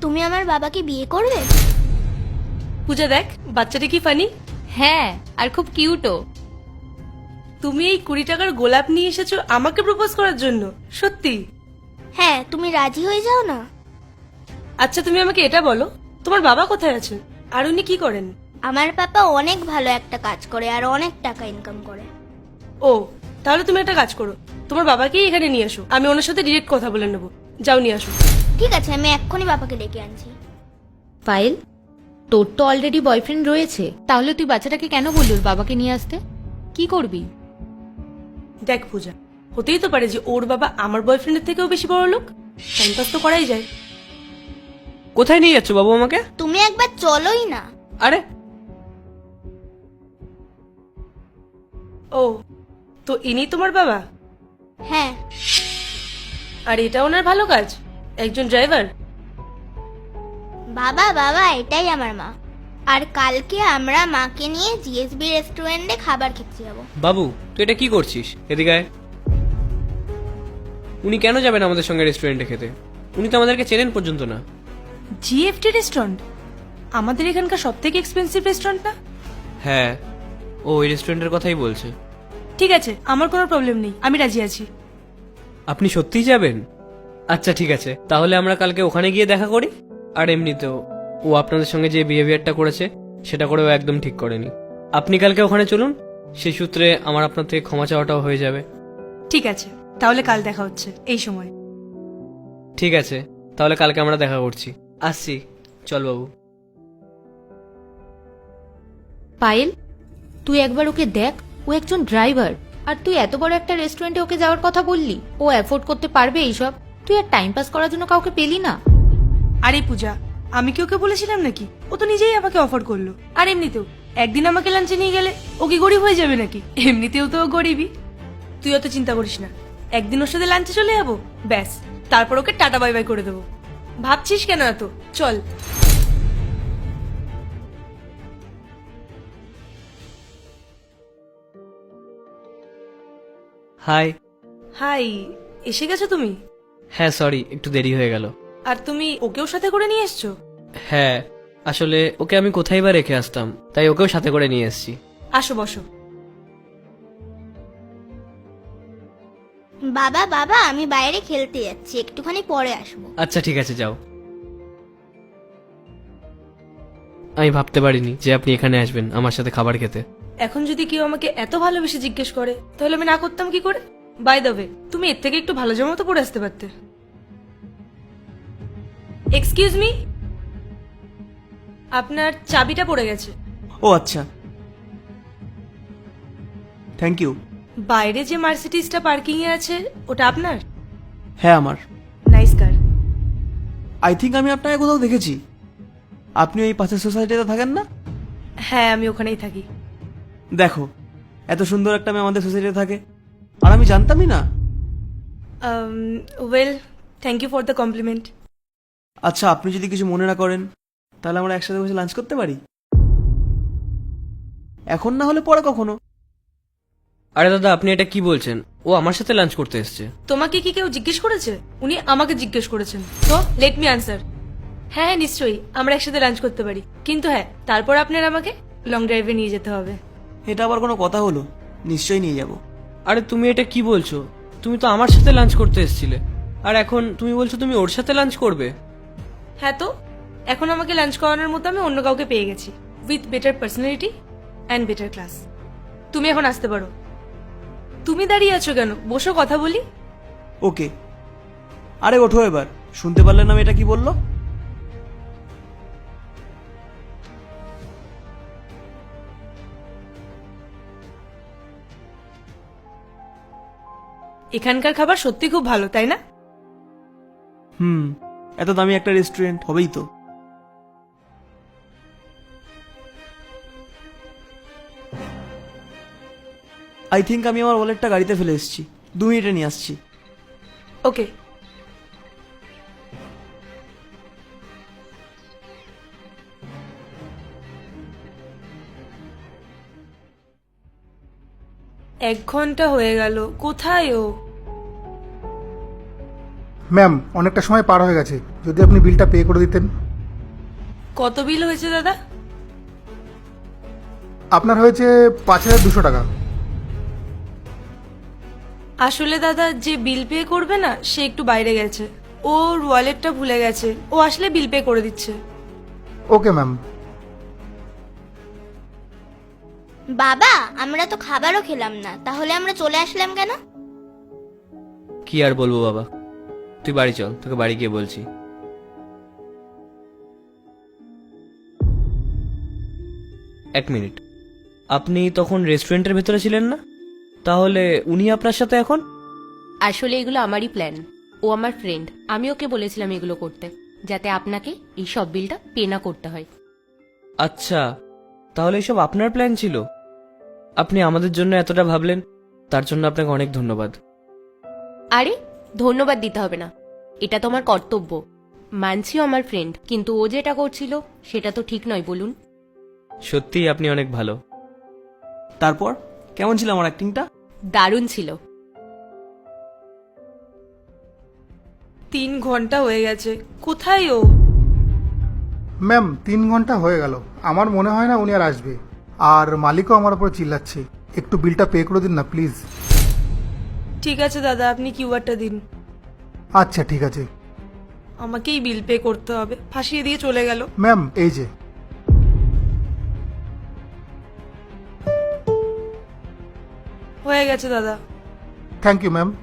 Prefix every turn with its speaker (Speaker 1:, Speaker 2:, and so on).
Speaker 1: তুমি আমার বাবাকে বিয়ে করবে?
Speaker 2: পূজা দেখ বাচ্চাটা কি ফানি।
Speaker 3: হ্যাঁ, আর খুব কিউটও।
Speaker 2: তুমি এই 20 টাকার গোলাপ নিয়ে এসেছো আমাকে প্রপোজ করার জন্য? সত্যি?
Speaker 1: হ্যাঁ, তুমি রাজি হয়ে যাও না?
Speaker 2: আচ্ছা তুমি আমাকে এটা বলো, তোমার বাবা কোথায় আছেন আর উনি কি করেন?
Speaker 1: আমার পাপা অনেক ভালো একটা কাজ করে আর অনেক টাকা ইনকাম করে।
Speaker 2: ও, তাহলে তুমি একটা কাজ করো, তোমার বাবাকেই এখানে নিয়ে আসো, আমি ওনার সাথে ডিরেক্ট কথা বলে নেবো। যাও নিয়ে আসো।
Speaker 1: ঠিক আছে, আমি এক্ষুনি বাবাকে ডেকে আনছি।
Speaker 3: পায়েল, তোর তো অলরেডি বয়ফ্রেন্ড রয়েছে, তাহলে তুই বাচ্চাটাকে কেন বললি ওর বাবাকে নিয়ে আসতে? কি করবি?
Speaker 2: দেখ পূজা, হতেই তো পারে যে ওর বাবা আমার বয়ফ্রেন্ডের থেকেও বেশি বড় লোক। টাইম পাস তো করাই যায়।
Speaker 4: কোথায় নিয়ে যাচ্ছ বাবু আমাকে?
Speaker 1: তুমি একবার চলোই না।
Speaker 4: আরে
Speaker 2: ও, তো ইনি তোমার বাবা?
Speaker 1: হ্যাঁ।
Speaker 2: আর এটা ওনার ভালো কাজ, একজন ড্রাইভার?
Speaker 1: বাবা বাবা, এটাই আমার মা। আর কালকে আমরা মাকে নিয়ে জিএসবি রেস্টুরেন্টে খাবার খেতে যাবো।
Speaker 4: বাবু, তুই এটা কি করছিস? এদিকে আয়। উনি কেন যাবেন আমাদের সঙ্গে রেস্টুরেন্টে খেতে? উনি তো আমাদেরকে চেনেন পর্যন্ত না।
Speaker 2: জিএফটি রেস্টুরেন্ট আমাদের এখানকার সব থেকে এক্সপেন্সিভ রেস্টুরেন্ট না?
Speaker 4: হ্যাঁ, ও ওই রেস্টুরেন্টের কথাই বলছে।
Speaker 2: ঠিক আছে, আমার কোনো প্রবলেম নেই, আমি রাজি আছি।
Speaker 4: আপনি সত্যিই যাবেন? আচ্ছা ঠিক আছে, তাহলে আমরা কালকে ওখানে গিয়ে দেখা করি। আর এমনিতেও ও আপনাদের সঙ্গে যে বিহেভিয়ারটা করেছে সেটা করেও একদম ঠিক করেনি। আপনি কালকে ওখানে চলুন, সেই সূত্রে আমার আপনার থেকে ক্ষমা চাওয়াটাও হয়ে যাবে।
Speaker 2: ঠিক আছে, তাহলে কাল দেখা হচ্ছে এই সময়।
Speaker 4: ঠিক আছে, তাহলে কালকে আমরা দেখা করছি। আসছি, চল বাবু।
Speaker 3: পায়েল, তুই একবার ওকে দেখ, ও একজন ড্রাইভার। আর তুই এত বড় একটা রেস্টুরেন্টে ওকে যাওয়ার কথা বললি, ও অ্যাফোর্ড করতে পারবে এইসব? তুই আর টাইম পাস করার জন্য কাউকে পেলি না?
Speaker 2: আরে পূজা, আমি কি ওকে বলেছিলাম নাকি? ও তো নিজেই আমাকে অফার করলো। আর এমনিতেও একদিন আমাকে লাঞ্চে নিয়ে গেলে ও কি গরিব হয়ে যাবে নাকি? এমনিতেও তো ও গরিবই। তুই অত চিন্তা করিস না, একদিন ওর সাথে লাঞ্চে চলে যাবো, ব্যাস, তারপর ওকে টাটা বাই বাই করে দেবো। ভাবছিস কেন এত? চল।
Speaker 4: হাই।
Speaker 2: হাই, এসে গেছো তুমি?
Speaker 4: হ্যাঁ সরি, একটু দেরি হয়ে গেল।
Speaker 2: আর তুমি ওকেও সাথে করে নিয়ে এসছো?
Speaker 4: হ্যাঁ, আসলে ওকে আমি কোথায় বা রেখে আসতাম, তাই ওকেও সাথে করে নিয়ে এসেছি।
Speaker 2: আসো বসো।
Speaker 1: বাবা বাবা, আমি বাইরে খেলতে যাচ্ছি, একটুখানি পরে আসবো।
Speaker 4: আচ্ছা ঠিক আছে, যাও। আমি ভাবতে পারিনি যে আপনি এখানে আসবেন আমার সাথে খাবার খেতে।
Speaker 2: এখন যদি কেউ আমাকে এত ভালোবেসে জিজ্ঞেস করে তাহলে আমি না করতাম কি করে? বাই দ্য ওয়ে, তুমি এর থেকে একটু ভালো জামা তো পরে আসতে পারতে। এক্সকিউজ মি, আপনার চাবিটা পড়ে গেছে।
Speaker 5: ও আচ্ছা, থ্যাংক ইউ।
Speaker 2: বাইরে যে মার্সিডিজটা পার্কিং এ আছে ওটা আপনার?
Speaker 5: হ্যাঁ আমার।
Speaker 2: Nice car.
Speaker 5: আই থিঙ্ক আমি আপনাকে কোথাও দেখেছি। আপনি ওই পাশের সোসাইটিতে থাকেন না?
Speaker 2: হ্যাঁ, আমি ওখানেই থাকি।
Speaker 5: দেখো, এত সুন্দর একটা মেয়ে আমাদের সোসাইটিতে থাকে আর আমি জানতামই না।
Speaker 2: Well, thank you for the compliment.
Speaker 5: আচ্ছা, আপনি যদি কিছু মনে না করেন তাহলে আমরা একসাথে বসে লাঞ্চ করতে পারি? এখন না হলে পরে কখনো।
Speaker 4: আরে দাদা, আপনি এটা কি বলছেন? ও আমার সাথে লাঞ্চ করতে এসেছে।
Speaker 2: তোমাকে কি কেউ জিজ্ঞেস করেছে? উনি আমাকে জিজ্ঞেস করেছেন, তো লেট মি আনসার। হ্যাঁ হ্যাঁ, নিশ্চয়ই আমরা একসাথে লাঞ্চ করতে পারি, কিন্তু হ্যাঁ, তারপর আপনার আমাকে লং ড্রাইভে নিয়ে যেতে হবে।
Speaker 5: এটা আবার কোনো কথা হলো? নিশ্চয়ই নিয়ে যাব।
Speaker 4: আরে তুমি এটা কি বলছো? তুমি তো আমার সাথে লাঞ্চ করতে এসেছিলে, আর এখন তুমি বলছো তুমি ওর সাথে লাঞ্চ করবে?
Speaker 2: হ্যাঁ, তো এখন আমাকে লাঞ্চ করানোর মতো আমি অন্য কাউকে পেয়ে গেছি, with better personality and better class. তুমি এখন আসতে পারো। তুমি দাঁড়িয়ে আছো কেন? বসো, কথা বলি।
Speaker 5: ওকে, আরে ওঠো এবার। শুনতে পারলেন না এটা কি বললো?
Speaker 2: এখানকার খাবার সত্যি খুব ভালো, তাই না?
Speaker 5: এত দামি একটা রেস্টুরেন্ট হবেই তো। আই থিঙ্ক আমি আমার ওয়ালেটটা গাড়িতে ফেলে এসেছি, 2 মিনিটে নিয়ে আসছি।
Speaker 2: ওকে। এক ঘন্টা হয়ে গেল, কোথায় ও?
Speaker 6: ম্যাম অনেকটা সময় পার হয়ে গেছে, যদি আপনি বিলটা পে করে দিতেন।
Speaker 2: কত বিল হয়েছে দাদা?
Speaker 6: আপনার হয়েছে 5,200 টাকা।
Speaker 2: আসলে দাদা, যে বিল পে করবে না সে একটু বাইরে গেছে, ওর ওয়ালেটটা ভুলে গেছে, ও আসলে বিল পে করে দিচ্ছে।
Speaker 6: Okay ma'am.
Speaker 1: বাবা, আমরা তো খাবারও খেলাম না, তাহলে আমরা চলে আসলাম কেন?
Speaker 4: কি আর বলবো বাবা, তুই বাড়ি চল, তোকে বাড়ি গিয়ে বলছি। এক মিনিট, আপনি তখন রেস্টুরেন্টের ভেতরে ছিলেন না? তাহলে উনি আপনার সাথে এখন?
Speaker 3: আসলে এগুলো আমারই প্ল্যান। ও আমার ফ্রেন্ড, আমি ওকে বলেছিলাম এগুলো করতে, যাতে আপনাকে এই সব বিলটা পে না করতে হয়।
Speaker 4: আচ্ছা, তাহলে এসব আপনার প্ল্যান ছিল? আপনি আমাদের জন্য এতটা ভাবলেন, তার জন্য আপনাকে অনেক ধন্যবাদ।
Speaker 3: আরে ধন্যবাদ দিতে হবে না, এটা তো আমার কর্তব্য। মানছিও আমার ফ্রেন্ড, কিন্তু ও যেটা করছিল সেটা তো ঠিক নয়, বলুন।
Speaker 4: সত্যিই আপনি অনেক ভালো।
Speaker 5: তারপর কেমন ছিল আমার অ্যাক্টিংটা?
Speaker 3: দারুণ ছিল।
Speaker 2: 3 ঘন্টা হয়ে গেছে, কোথায় ও?
Speaker 6: ম্যাম 3 ঘন্টা হয়ে গেল, আমার মনে হয় না উনি আর আসবে। আর মালিকও আমার উপর চিল্লাচ্ছে, একটু বিলটা পে করে দিন না প্লিজ।
Speaker 2: ঠিক আছে দাদা, আপনি কিউআরটা দিন।
Speaker 6: আচ্ছা ঠিক আছে।
Speaker 2: আমাকেই বিল পে করতে হবে, ফাঁসিয়ে দিয়ে চলে গেল।
Speaker 6: ম্যাম এই যে।
Speaker 2: হয়ে গেছে দাদা।
Speaker 6: Thank you ma'am.